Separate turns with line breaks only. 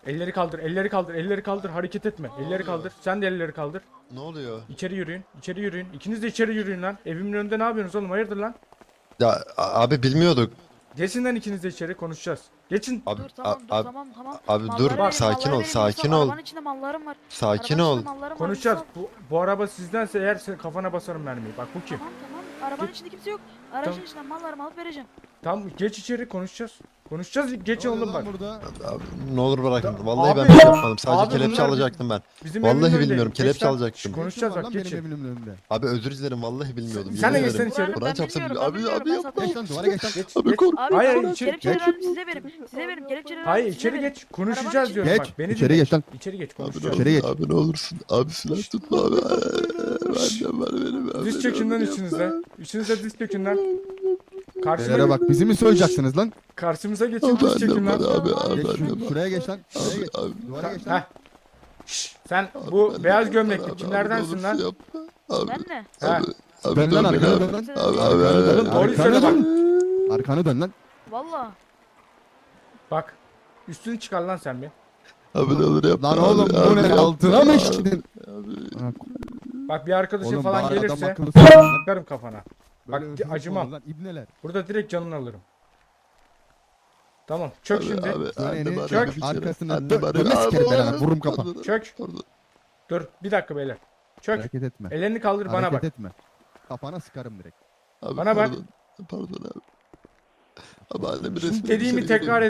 Elleri kaldır, elleri kaldır, elleri kaldır. Hareket etme. Elleri kaldır. Sen de elleri kaldır.
Ne oluyor?
İçeri yürüyün, içeri yürüyün. İkiniz de içeri yürüyün lan. Evimin önünde ne yapıyorsunuz oğlum? Hayırdır lan?
Ya abi bilmiyorduk.
Geçin lan ikiniz de içeri konuşacağız. Geçin.
Abi
Dur tamam dur
abi,
tamam tamam.
abi
Malları
dur
verin,
sakin
malları
ol
verin,
sakin
Yusuf.
ol.
Arabanın içinde mallarım var.
Sakin
Arabanın
ol.
içinde mallarım var.
Konuşacağız.
Yusuf.
Bu araba sizdense eğer kafana basarım mermiyi. Bak bu kim?
Tamam tamam. Arabanın
Git.
içinde kimse yok. Aracın
Tamam.
içinden mallarımı alıp vereceğim.
Tamam geç içeri konuşacağız. Konuşacağız geç
Ne oluyor
oğlum
lan
bak.
burada?
Abi, ne olur bırakın.
Ya,
Vallahi ben
abi-
bir şey yapmadım. Sadece
abi
kelepçe
bunlar
alacaktım ben.
Bizim
Vallahi
evimin önünde.
bilmiyorum,
Geç
kelepçe
lan.
alacaktım.
Konuşacağız
Ne
bak
işin var
geçin.
lan benim evimin önünde.
Abi özür dilerim vallahi bilmiyordum.
Sen de
yemin
geçsene
ederim.
içeri.
Kur'an
Ben
çarpsın.
bilmiyorum,
Abi
ben bilmiyorum,
abi
ben
yapma.
satmam.
Geç lan duvara geç lan.
Geç
Abi
geç.
kork.
Abi
Hayır,
tamam,
içeri-
kelepçeleri
geç.
verdim size verim. Size verim kelepçeleri
Hayır
verdim, size
içeri
verim.
geç. Konuşacağız
Arabanın
diyorum
içinde-
bak. Beni
İçeri
dinle.
geç lan.
İçeri geç
Abi,
konuşacağız.
İçeri geç.
Abi ne olursun. Abi silah tutma abi. Annem var benim. Abi,
Diz çökün lan içinizde. İçinizde diz çökün lan.
Beyler bak bizi mi soyacaksınız lan?
Karşımıza geçin
Abi
diz çökün
annem var
lan.
abi. Abi
Geç
annem var.
şuraya geç lan. Şuraya
Abi
geç.
abi.
Duvara geç lan.
Heh. Şşş, sen bu
Abi,
beyaz
abi,
gömlekli
abi,
kimlerdensin
abi,
lan?
ne olursun yapma. Abi,
Ben mi?
Ha.
abi,
Dön lan
dön
arkana
abi.
dön lan.
Abi,
Arkanı
abi,
dön.
doğruyu
Arkanı
söyle bak.
dön. Arkanı dön lan.
Valla.
Bak. Üstünü çıkar lan sen bir.
Abi ne olur yapma.
Lan oğlum
abi,
bu
abi,
ne?
yapma.
Altına mı işledin?
Abi,
Ha,
Bak bir arkadaşın
Oğlum
falan
bari adam
gelirse
akıllı söyle lan.
sıkarım kafana. Bak,
Böyle hırsızlık
acımam.
olur lan, İbneler.
Burada direkt canını alırım. Çök
abi,
şimdi.
Abi, annem
Döneni
arıyor
çök.
bir kere.
Arkasına
Annem
dön.
arıyor.
Dönme
Abi,
sikerim ben
abi,
lan. Vururum kafa.
pardon,
Çök.
pardon.
Dur bir dakika beyler. Çök.
Hareket etme.
Ellerini kaldır bana
Hareket
bak.
etme. Kafana sıkarım direkt.
Abi,
Bana bak.
pardon. Pardon abi. Abi annemin
Şimdi
resmini
dediğimi
dışarı
tekrar